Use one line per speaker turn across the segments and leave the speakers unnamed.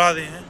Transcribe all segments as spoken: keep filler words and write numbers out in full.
करा रहे हैं।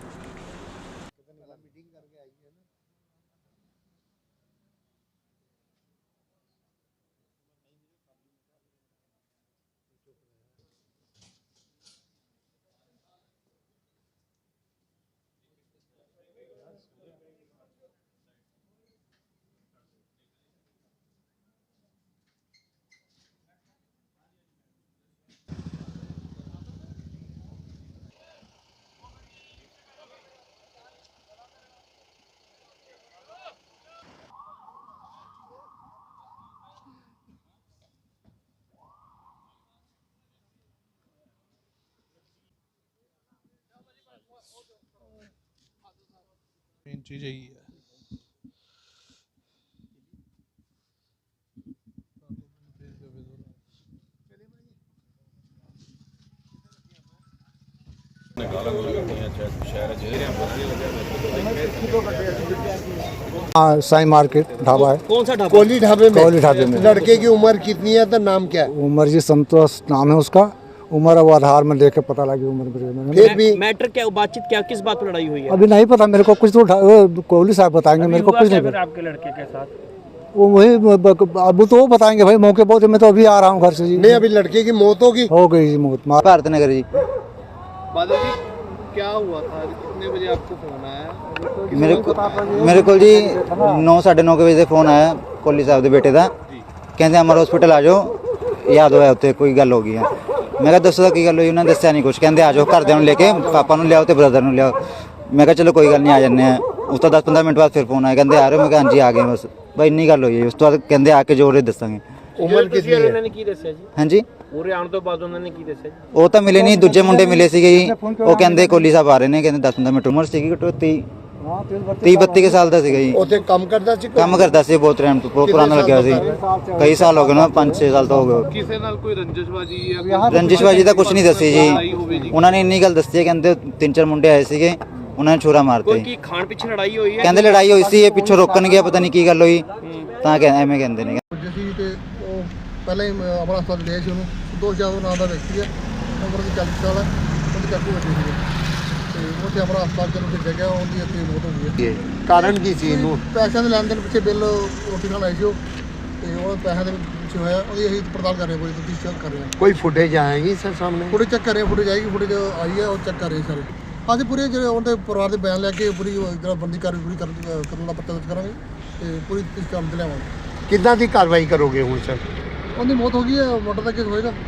मेन चीज़ यही है।
हाँ, साई मार्केट ढाबा है।
कौन सा ढाबा?
कोहली ढाबे में।
कोहली ढाबे में।
लड़के की उम्र कितनी है तो नाम क्या है?
उमर जी संतोष नाम है उसका। उम्र अब आधार में देख के पता लगी उम्र मेरे।
फिर भी
मैटर क्या, बातचत क्या, किस बात पर लड़ाई हुई है?
अभी नहीं पता मेरे को, कुछ तो वो कोहली साहब बताएंगे, मेरे को कुछ नहीं पता।
आपके लड़के के साथ
वो वही अब तो वो बताएंगे भाई, मौके पर। मैं तो अभी आ रहा हूँ घर से जी।
नहीं, अभी लड़के की मौत होगी।
हो गई जी मौत।
भारत नगर जी।
बादल जी, क्या हुआ था? कितने बजे आपको फोन आया?
मेरे को मेरे को जी नौ साढ़े नौ के बजे फोन आया कोहली साहब के बेटे का। कहते अमर हॉस्पिटल आ जाओ, याद होया उत्ते कोई गल हो गई है। मैं कहा दसो की गल हुई? उन्होंने दसिया नहीं कुछ। कहते आ जाओ, घरदिਆਂ ਨੂੰ लेके पापा ਨੂੰ ਲਿਆਓ ਤੇ ब्रदर ਨੂੰ ਲਿਆਓ। मैं कहा चलो कोई गल नहीं, आ जाने हैं। उस तो दस पंद्रह मिनट बाद फिर फोन आया, कहते आ रहे हो? मैं कहा हाँ जी आ गए बस। भाई इन्नी गल हुई। उस तो बाद कहते आके जो रे दसांगे।
उम्र कितनी है?
ਉਹਨਾਂ ਨੇ ਕੀ ਦੱਸਿਆ ਜੀ?
हाँ जी,
ਪੂਰੇ ਆਉਣ ਤੋਂ ਬਾਅਦ ਉਹਨਾਂ ਨੇ ਕੀ ਦੱਸਿਆ ਜੀ?
ਉਹ ਤਾਂ ਮਿਲੇ ਨਹੀਂ, ਦੂਜੇ ਮੁੰਡੇ ਮਿਲੇ ਸੀਗੇ ਜੀ। ਉਹ ਕਹਿੰਦੇ ਕੋਹਲੀ ਸਾਹਿਬ ਆ ਰਹੇ ਨੇ, ਕਹਿੰਦੇ ਦਸ ਪੰਦਰਾਂ ਮਿੰਟ। ਉਮਰ ਸੀਗੀ ਘੱਟੋ ਤੀਹ ਤੀਹ ਬੱਤੀ ਕੇ ਸਾਲ ਦਾ ਸੀਗਾ ਜੀ।
ਉੱਥੇ ਕੰਮ ਕਰਦਾ ਸੀ?
ਕੰਮ ਕਰਦਾ ਸੀ ਬਹੁਤ ਟਾਈਮ ਤੋਂ, ਬਹੁਤ ਪੁਰਾਣਾ ਲੱਗਿਆ ਸੀ। ਕਈ ਸਾਲ ਹੋ ਗਏ ਨਾ, ਪੰਜ ਛੇ ਸਾਲ ਤੋਂ ਹੋ ਗਏ।
ਕਿਸੇ ਨਾਲ ਕੋਈ ਰੰਜਿਸ਼ਬਾਜੀ ਜਾਂ
ਰੰਜਿਸ਼ਬਾਜੀ ਦਾ ਕੁਝ ਨਹੀਂ ਦੱਸੀ ਜੀ। ਉਹਨਾਂ ਨੇ ਇੰਨੀ ਗੱਲ ਦੱਸੀ ਹੈ, ਕਹਿੰਦੇ ਤਿੰਨ ਚਾਰ ਮੁੰਡੇ ਆਏ ਸੀਗੇ, ਉਹਨਾਂ ਨੇ ਛੁਰਾ ਮਾਰਤੇ।
ਕੋਈ ਕੀ ਖਾਣ ਪਿੱਛੇ ਲੜਾਈ ਹੋਈ ਹੈ?
ਕਹਿੰਦੇ ਲੜਾਈ ਹੋਈ ਸੀ, ਇਹ ਪਿੱਛੋਂ ਰੋਕਣ ਗਿਆ, ਪਤਾ ਨਹੀਂ ਕੀ ਗੱਲ ਹੋਈ, ਤਾਂ ਕਹਿੰਦੇ ਐਵੇਂ ਕਹਿੰਦੇ ਨੇ।
ਸੀ ਤੇ ਉਹ ਪਹਿਲਾਂ ਹੀ ਆਪਣਾ ਹਸਪਤਾਲ ਲਿਆ ਸੀ। ਉਹਨੂੰ ਦੋਸ਼ ਜਾਦਵ ਨਾਮ ਦਾ ਵਿਅਕਤੀ ਹੈ, ਉਮਰ ਦੀ ਚਾਲੀ ਸਾਲ ਹੈ। ਉਹਦੀ ਚਾਕੂ ਵੱਜੀ ਸੀ ਤੇ ਉੱਥੇ ਆਪਣਾ ਹਸਪਤਾਲ ਚ ਉੱਥੇ ਜਗ੍ਹਾ ਉਹਦੀ ਇੱਥੇ ਮੌਤ ਹੋ ਗਈ ਹੈ।
ਕਾਰਨ ਕੀ ਸੀ ਇਹਨੂੰ?
ਪੈਸਿਆਂ ਦੇ ਲੈਣ ਦੇਣ ਪਿੱਛੇ ਬਿੱਲ ਰੋਟੀ ਖਾਣ ਆਏ ਸੀ ਉਹ, ਤੇ ਉਹ ਪੈਸਿਆਂ ਦੇ ਪਿੱਛੇ ਹੋਇਆ। ਉਹਦੀ ਅਸੀਂ ਪੜਤਾਲ ਕਰ ਰਹੇ ਹਾਂ, ਕੋਈ ਤਫਤੀਸ਼ ਚੈੱਕ ਕਰ ਰਹੇ ਹਾਂ।
ਕੋਈ ਫੁਟੇਜ ਆਏਗੀ ਸਰ ਸਾਹਮਣੇ?
ਫੁਟੇਜ ਚੈੱਕ ਕਰ ਰਹੇ ਹਾਂ, ਫੁਟੇਜ ਆਏਗੀ, ਫੁਟੇਜ ਆਈ ਹੈ, ਉਹ ਚੈੱਕ ਕਰ ਰਹੇ ਸਾਰੇ। ਅੱਜ ਪੂਰੇ ਜਿਹੜੇ ਉਹਦੇ ਪਰਿਵਾਰ ਦੇ ਬਿਆਨ ਲੈ ਕੇ ਪੂਰੀ ਜਿਹੜਾ ਬੰਦੀ ਕਾਰਵਾਈ ਪੂਰੀ ਕਰਨ ਕਰਨ ਦਾ ਪੱਤਾ ਦਰਜ ਕਰਾਂਗੇ ਤੇ ਪੂਰੀ ਤਫਤੀਸ਼ ਕਰਨ ਤੇ ਲਿਆਵਾਂਗੇ।
ਕਿੱਦਾਂ ਦੀ ਕਾਰਵਾਈ ਕਰੋਗੇ ਹੁਣ ਸਰ?
ਉਹਦੀ ਮੌਤ ਹੋ ਗਈ ਹੈ, ਮਰਡਰ ਦਾ ਕੇਸ ਹੋਏਗਾ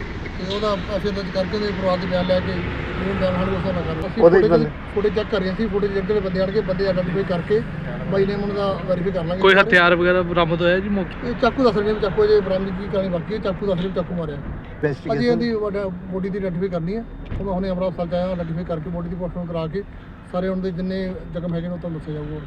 ਤੇ ਉਹਦਾ ਐਫਆਈਆਰ ਦਰਜ ਕਰਕੇ ਉਹਦੇ ਪਰਿਵਾਰ ਦੇ ਬਿਆਨ ਲੈ ਕੇ ਉਹ ਬਿਆਨ ਸਾਨੂੰ ਉਸ ਨਾਲ ਕਰ ਅਸੀਂ ਫੁਟੇਜ ਚੈੱਕ ਕਰ ਰਹੇ ਸੀ। ਫੁਟੇਜ ਜਿਹੜੇ ਬੰਦੇ ਆਣ ਕੇ ਬੰਦੇ ਆਈਡੈਂਟੀਫਾਈ ਕਰਕੇ ਬਾਈ ਨੇਮ ਉਹਨਾਂ ਦਾ ਵੈਰੀਫਾਈ ਕਰ ਲਾਂਗੇ।
ਕੋਈ ਹਥਿਆਰ ਵਗੈਰਾ ਬਰਾਮਦ ਹੋਇਆ ਜੀ ਮੌਕੇ?
ਇਹ ਚਾਕੂ ਦੱਸ ਰਹੇ ਨੇ, ਚਾਕੂ ਜੇ ਬਰਾਮਦਗੀ ਕਰਨੀ ਬਾਕੀ ਹੈ। ਚਾਕੂ ਦੱਸ ਰਹੇ ਚਾਕੂ ਮਾਰਿਆ। ਅਜੀ ਇਹਦੀ ਬੋਡੀ ਦੀ ਆਈਡੈਂਟੀਫਾਈ ਕਰਨੀ ਹੈ। ਉਹ ਮੈਂ ਹੁਣੇ ਅਮਰਾ ਹਸਪਤਾਲ 'ਚ ਆਇਆ, ਆਈਡੈਂਟੀਫਾਈ ਕਰਕੇ ਬੋਡੀ ਦੀ ਪੋਸਟਮਾਰਟਮ ਕਰਾ ਕੇ ਸਾਰੇ ਉਹਨਾਂ ਦੇ ਜਿੰਨੇ ਜ਼ਖਮ ਹੈਗੇ ਨੇ ਉਹ ਤੁਹਾਨੂੰ ਦੱਸਿਆ ਜਾਊਗਾ।